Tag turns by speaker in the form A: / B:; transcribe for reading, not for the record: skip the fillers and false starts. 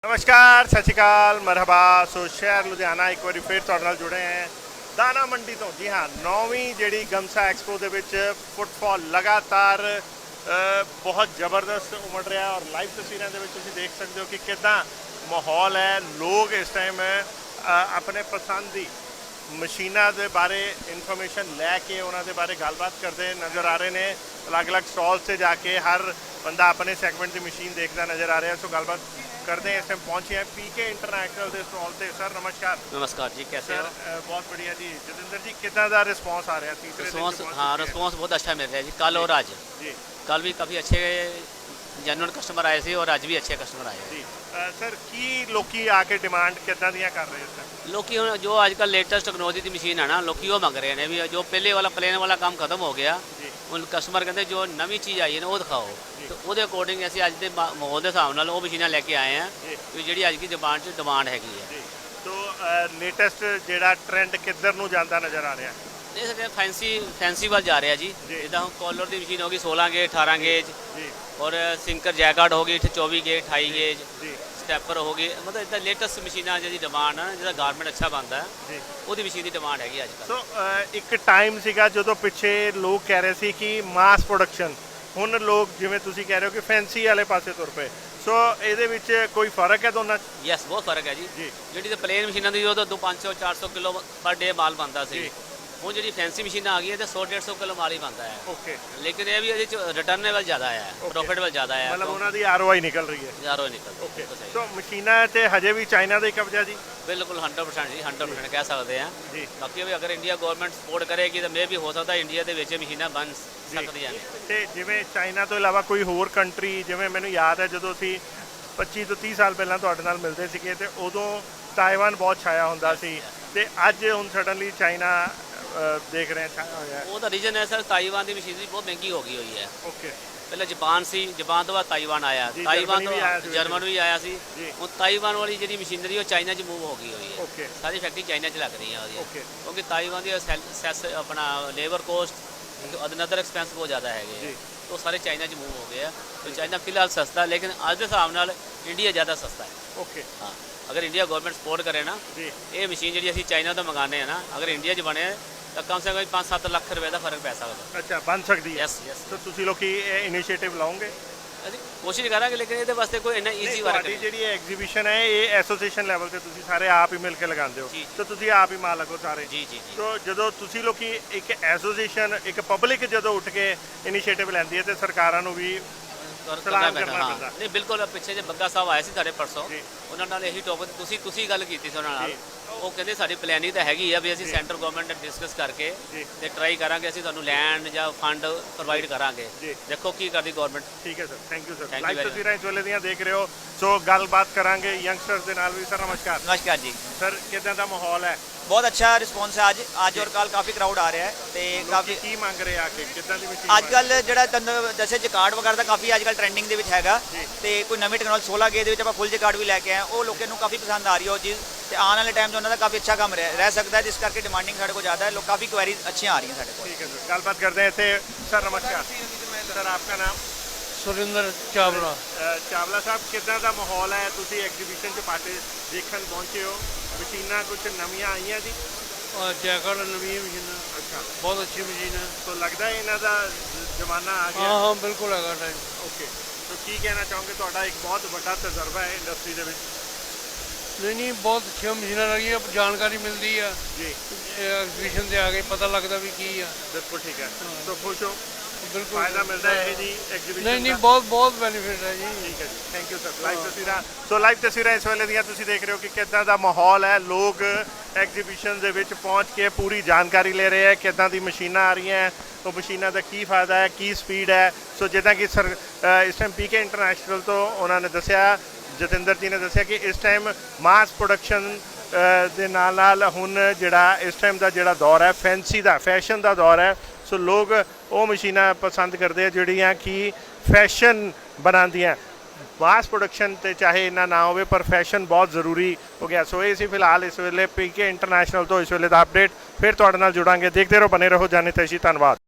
A: नमस्कार सत श्रीकाल मरहबा। सो शहर लुधियाना एक बार फिर तुहाडे नाल जुड़े हैं दाना मंडी तो। जी हाँ, 9वीं जिहड़ी गमसा एक्सपो दे विच फुटफॉल लगातार बहुत ज़बरदस्त उमड़ रहा है और लाइव तस्वीरों के तुसीं देख सकते हो कि कितना माहौल है। लोग इस टाइम अपने पसंद की मशीनों के बारे इन्फॉर्मेशन लैके उन्होंने बारे गलबात करते नज़र आ रहे हैं। अलग अलग स्टॉल से जाके हर बंदा अपने सैगमेंट की मशीन देखता नज़र आ रहा है। सो गलबात करते हैं। इस टाइम पहुंचे हैं पीके इंटरनेशनल के स्टॉल से। सर नमस्कार।
B: नमस्कार जी, कैसे हो?
A: बहुत बढ़िया जी। जतिंदर जी कितना दा रिस्पांस आ रहा है? तीसरे
B: रिस्पांस, हाँ रिस्पांस बहुत अच्छा मिल रहा है जी। कल और आज
A: जी,
B: कल भी काफ़ी अच्छे जेन्युइन कस्टमर आए थे और आज भी अच्छे कस्टमर आए
A: जी। सर की लोकी आके डिमांड कितना दियां कर रहे हैं?
B: लोकी हुण जो आजकल लेटेस्ट टेक्नोलॉजी की मशीन है ना, लोकी वो मंग रहे हैं भी। जो पहले वाला प्लेन वाला काम खत्म हो गया, उन कस्टमर कहते जो नवी चीज़ आई है ना वो दिखाओ। तो वो अकॉर्डिंग असं अज के माहौल के हिसाब नाल वो मशीनां लैके आए हैं कि जी अज की डिमांड हैगी है।
A: तो लेटेस्ट ਜਿਹੜਾ ट्रेंड किधर ਨੂੰ ਜਾਂਦਾ नज़र आ रहा है?
B: देख सकते हैं फैंसी वाल जा रहा है जी। जिदा हम कॉलर की मशीन होगी 16 गेज 18 गेज और सिंकर जैकार्ड होगी 24 गेज 28 गेज स्टैपर होगी। मतलब इतना लेटेस्ट मशीना जी डिमांड है जिसका गारमेंट अच्छा बनता है वो मशीन की डिमांड हैगी अजकल।
A: सो एक टाइम सीगा जो पिछे लोग कह रहे थे कि मास प्रोडक्शन, हुण लोग जिवें तुसीं कह रहे हो कि फैंसी वाले पासे तुर पे। सो ये कोई फर्क है दोनों?
B: यस, बहुत फर्क है जी। जी तो प्लेन मशीनों की जो 500-400 किलो पर डे माल बनता सी, ਹੁਣ ਜਿਹੜੀ ਫੈਂਸੀ ਮਸ਼ੀਨਾਂ ਆ ਗਈ ਤੇ 100-150 ਕਿਲੋ ਮਾਲ ਹੀ ਬਣਦਾ ਹੈ।
A: ਓਕੇ।
B: ਲੇਕਿਨ ਇਹ ਵੀ ਇਹਦੇ ਚ ਰਿਟਰਨੇਬਲ ਜ਼ਿਆਦਾ ਹੈ, ਪ੍ਰੋਫਿਟੇਬਲ ਜ਼ਿਆਦਾ ਹੈ।
A: ਮਤਲਬ ਉਹਨਾਂ ਦੀ ਆਰਓਆਈ ਨਿਕਲ ਰਹੀ ਹੈ।
B: ਆਰਓਆਈ ਨਿਕਲ।
A: ਓਕੇ। ਸੋ ਮਸ਼ੀਨਾਂ ਤੇ ਹਜੇ ਵੀ ਚਾਈਨਾ ਦਾ ਹੀ ਕਬਜ਼ਾ ਜੀ?
B: ਬਿਲਕੁਲ 100% ਜੀ, 100% ਕਹਿ ਸਕਦੇ ਆ
A: ਜੀ।
B: ਬਾਕੀ ਵੀ ਅਗਰ ਇੰਡੀਆ ਗਵਰਨਮੈਂਟ ਸਪੋਰਟ ਕਰੇਗੀ ਤਾਂ ਮੇ ਵੀ ਹੋ ਸਕਦਾ ਇੰਡੀਆ ਦੇ ਵਿੱਚ ਮਸ਼ੀਨਾਂ ਬਣ ਸਕਦੀਆਂ ਨੇ।
A: ਤੇ ਜਿਵੇਂ ਚਾਈਨਾ ਤੋਂ ਇਲਾਵਾ ਕੋਈ ਹੋਰ ਕੰਟਰੀ, ਜਿਵੇਂ ਮੈਨੂੰ ਯਾਦ ਹੈ ਜਦੋਂ ਅਸੀਂ 25 ਤੋਂ 30 ਸਾਲ ਪਹਿਲਾਂ ਤੁਹਾਡੇ ਨਾਲ ਮਿਲਦੇ ਸੀਗੇ ਤੇ ਉਦੋਂ ਤਾਇਵਾਨ ਬਹੁਤ ਛਾਇਆ ਹੁੰਦਾ ਸੀ ਤੇ ਅੱਜ ਹੁਣ ਸਡਨਲੀ ਚਾਈਨਾ देख रहे हैं छाया।
B: वो तो रीजन है सर, ताइवान की मशीनरी बहुत महंगी हो गई हुई है।
A: ओके।
B: पहले जापान सी, जापान तो बाद ताइवान आया, ताइवान तो जर्मन भी आया सी। ਹੁਣ ਤਾਈਵਾਨ ਵਾਲੀ ਜਿਹੜੀ ਮਸ਼ੀਨਰੀ ਉਹ ਚਾਈਨਾ 'ਚ ਮੂਵ ਹੋ ਗਈ ਹੋਈ ਹੈ।
A: ਓਕੇ।
B: ਸਾਰੀ ਫੈਕਟਰੀ ਚਾਈਨਾ 'ਚ ਲੱਗ ਰਹੀ ਹੈ ਉਹਦੀ।
A: ਓਕੇ।
B: ਕਿਉਂਕਿ ਤਾਈਵਾਨ ਦੀ ਸੈਸ ਆਪਣਾ ਲੇਬਰ ਕੋਸਟ ਅਦਰ ਐਕਸਪੈਂਸ ਬਹੁਤ ਜ਼ਿਆਦਾ ਹੈਗੇ, तो सारे चाइना 'ਚ मूव हो गए हैं। तो चाइना फिलहाल सस्ता, लेकिन आज के हिसाब नाल इंडिया ज़्यादा सस्ता है।
A: ओके।
B: हाँ, अगर इंडिया गवर्नमेंट सपोर्ट करे ना ये मशीन जी असीं चाइना तो मंगाने हैं ना, अगर इंडिया 'ਚ बने तो कम से कम 5-7 ਲੱਖ रुपए का फर्क पै सकता।
A: अच्छा, बन सकती है?
B: Yes yes.
A: तो तुसीं लोग इनिशिएटिव लाओगे?
B: ਅਸੀਂ ਕੋਸ਼ਿਸ਼ ਕਰਾਂਗੇ, ਲੇਕਿਨ ਇਹਦੇ ਵਾਸਤੇ ਕੋਈ ਇੰਨਾ ਈਜ਼ੀ ਵਰਕ ਨਹੀਂ।
A: ਜਿਹੜੀ ਐਗਜ਼ੀਬਿਸ਼ਨ ਹੈ ਇਹ ਐਸੋਸੀਏਸ਼ਨ ਲੈਵਲ ਤੇ ਤੁਸੀਂ ਸਾਰੇ ਆਪ ਹੀ ਮਿਲ ਕੇ ਲਗਾਉਂਦੇ ਹੋ, ਤਾਂ ਤੁਸੀਂ ਆਪ ਹੀ ਮਾਲਕ ਹੋ ਸਾਰੇ?
B: ਜੀ ਜੀ ਜੀ।
A: ਤਾਂ ਜਦੋਂ ਤੁਸੀਂ ਲੋਕੀ ਇੱਕ ਐਸੋਸੀਏਸ਼ਨ, ਇੱਕ ਪਬਲਿਕ ਜਦੋਂ ਉੱਠ ਕੇ ਇਨੀਸ਼ੀਏਟਿਵ ਲੈਂਦੀ ਹੈ ਤੇ ਸਰਕਾਰਾਂ ਨੂੰ ਵੀ ਸਲਾਮ ਕਰਨਾ ਪੈਂਦਾ।
B: ਨਹੀਂ ਬਿਲਕੁਲ। ਪਿੱਛੇ ਜੇ ਬੱਗਾ ਸਾਹਿਬ ਆਏ ਸੀ ਸਾਡੇ ਪਰਸੋਂ, ਉਹਨਾਂ ਨਾਲ ਇਹੀ ਟੌਪਿਕ ਤੁਸੀਂ ਗੱਲ ਕੀਤੀ ਸੀ ਉਹਨਾਂ ਨਾਲ। ਉਹ ਕਹਿੰਦੇ ਸਾਡੀ ਪਲੈਨਿੰਗ ਤਾਂ ਹੈਗੀ ਆ ਵੀ ਅਸੀਂ ਸੈਂਟਰ ਗਵਰਨਮੈਂਟ ਨਾਲ ਡਿਸਕਸ ਕਰਕੇ ਤੇ ਟਰਾਈ ਕਰਾਂਗੇ, ਅਸੀਂ ਤੁਹਾਨੂੰ ਲੈਂਡ ਜਾਂ ਫੰਡ ਪ੍ਰੋਵਾਈਡ ਕਰਾਂਗੇ। ਦੇਖੋ ਕੀ ਕਰਦੀ ਗਵਰਨਮੈਂਟ।
A: ਠੀਕ ਹੈ sir, thank you sir. Live ਤਸਵੀਰਾਂ ਇਸ ਵੇਲੇ ਦੀਆਂ ਦੇਖ ਰਹੇ ਹੋ। ਸੋ ਗੱਲਬਾਤ ਕਰਾਂਗੇ ਯੰਗਸਟਰਸ ਦੇ ਨਾਲ ਵੀ। ਸਰ ਨਮਸਕਾਰ।
C: नमस्कार जी।
A: ਸਰ ਕਿਦਾਂ ਦਾ ਮਾਹੌਲ ਹੈ?
C: बहुत अच्छा रिस्पॉन्स है आज और कल काफ़ी क्राउड आ रहा है तो काफ़ी
A: ਕੀ ਮੰਗ ਰਹੇ ਆ ਕਿ ਕਿਦਾਂ ਦੀ ਮਸ਼ੀਨ?
C: अजकल जो जैसे जकार्ड वगैरह का काफ़ी अजकल ट्रेंडिंग ਦੇ ਵਿੱਚ ਹੈਗਾ ਤੇ ਕੋਈ ਨਵੀਂ ਟੈਕਨੋਲੋਜੀ 16 ਗੇ ਦੇ ਵਿੱਚ ਆਪਾਂ ਫੁੱਲ ਜਕਾਰਡ ਵੀ ਲੈ ਕੇ ਆਏ, ਉਹ ਲੋਕਾਂ ਨੂੰ ਕਾफ़ੀ ਪਸੰਦ ਆ ਰਹੀ ਹੈ ਉਹ ਚੀਜ਼ ਤੇ ਆਉਣ ਵਾਲੇ ਟਾਈਮ 'ਚ ਉਹਨਾਂ ਦਾ ਕਾफ़ੀ ਅੱਛਾ ਕੰਮ ਰਹਿ ਸਕਦਾ ਹੈ, ਜਿਸ ਕਰਕੇ ਡਿਮਾਂਡਿੰਗ ਸਾਡੇ ਕੋਲ ਜ਼ਿਆਦਾ ਹੈ। ਲੋਕ ਕਾफ़ी ਕੁਐਰੀਜ਼ ਅੱਛੀਆਂ ਆ ਰਹੀਆਂ ਸਾਡੇ ਕੋਲ।
A: ठीक है सर, गलबात करते हैं ऐसे। सर नमस्कार। सर आपका नाम?
D: सुरिंदर चावला।
A: चावला साहब, कितना का माहौल है? तुसी एग्जीबिशन च पार्टे देखन पहुंचे हो, मशीना कुछ नवीं आईਆਂ जी?
D: और जैकट नवी मशीन।
A: अच्छा,
D: बहुत अच्छी मशीन है।
A: तो लगता है इन्हों का जमाना आ गया?
D: हाँ हाँ बिल्कुल है टाइम।
A: ओके। तो की कहना चाहोगे? ਤੁਹਾਡਾ एक बहुत बड़ा तजर्बा है इंडस्ट्री ਦੇ ਵਿੱਚ।
D: नहीं बहुत अच्छी मशीन लगी है, जानकारी मिलती है
A: जी।
D: एग्जीबिशन से आके पता लगता भी की है।
A: बिल्कुल ठीक है। तो खुश हो?
D: बिल्कुल
A: फायदा मिलता है जी एग्जीबिशन?
D: नहीं बहुत बहुत बेनिफिट है जी।
A: ठीक है जी, थैंक यू सर। लाइव तस्वीਰਾਂ। ਸੋ ਲਾਈਵ ਤਸਵੀਰਾਂ ਇਸ ਵੇਲੇ ਦੀਆਂ ਤੁਸੀਂ ਦੇਖ ਰਹੇ ਹੋ ਕਿ ਕਿੱਦਾਂ ਦਾ ਮਾਹੌਲ ਹੈ। ਲੋਕ ਐਗਜ਼ੀਬਿਸ਼ਨ ਦੇ ਵਿੱਚ ਪਹੁੰਚ ਕੇ ਪੂਰੀ ਜਾਣਕਾਰੀ ਲੈ ਰਹੇ ਹੈ, ਕਿੱਦਾਂ ਦੀ ਮਸ਼ੀਨਾਂ ਆ ਰਹੀਆਂ, ਉਹ ਮਸ਼ੀਨਾਂ ਦਾ ਕੀ ਫਾਇਦਾ ਹੈ, ਕੀ ਸਪੀਡ ਹੈ। ਸੋ ਜਿੱਦਾਂ ਕਿ ਸਰ ਇਸ ਟਾਈਮ ਪੀਕੇ ਇੰਟਰਨੈਸ਼ਨਲ ਤੋਂ ਉਹਨਾਂ ਨੇ ਦੱਸਿਆ, ਜਤਿੰਦਰ ਜੀ ਨੇ ਦੱਸਿਆ ਕਿ ਇਸ ਟਾਈਮ ਮਾਸ ਪ੍ਰੋਡਕਸ਼ਨ ਦੇ ਨਾਲ ਹੁਣ ਜਿਹੜਾ ਇਸ ਟਾਈਮ ਦਾ ਜਿਹੜਾ ਦੌਰ ਹੈ ਫੈਂਸੀ ਦਾ, ਫੈਸ਼ਨ ਦਾ ਦੌਰ ਹੈ। ਸੋ ਲੋਕ ਉਹ ਮਸ਼ੀਨਾਂ ਪਸੰਦ ਕਰਦੇ ਆ ਜਿਹੜੀਆਂ ਕਿ ਫੈਸ਼ਨ ਬਣਾਉਂਦੀਆਂ। ਮਾਸ ਪ੍ਰੋਡਕਸ਼ਨ ਤੇ ਚਾਹੇ ਇੰਨਾ ਨਾ ਹੋਵੇ ਪਰ ਫੈਸ਼ਨ ਬਹੁਤ ਜ਼ਰੂਰੀ ਹੋ ਗਿਆ। ਸੋ ਇਹ ਸੀ ਫਿਲਹਾਲ ਇਸ ਵੇਲੇ ਪੀਕੇ ਇੰਟਰਨੈਸ਼ਨਲ ਤੋਂ ਇਸ ਵੇਲੇ ਦਾ ਅਪਡੇਟ। ਫਿਰ ਤੁਹਾਡੇ ਨਾਲ ਜੁੜਾਂਗੇ। ਦੇਖਦੇ ਰਹੋ, ਬਨੇ ਰਹੋ ਜਾਣੇ ਤੈਸ਼ੀ। ਧੰਨਵਾਦ।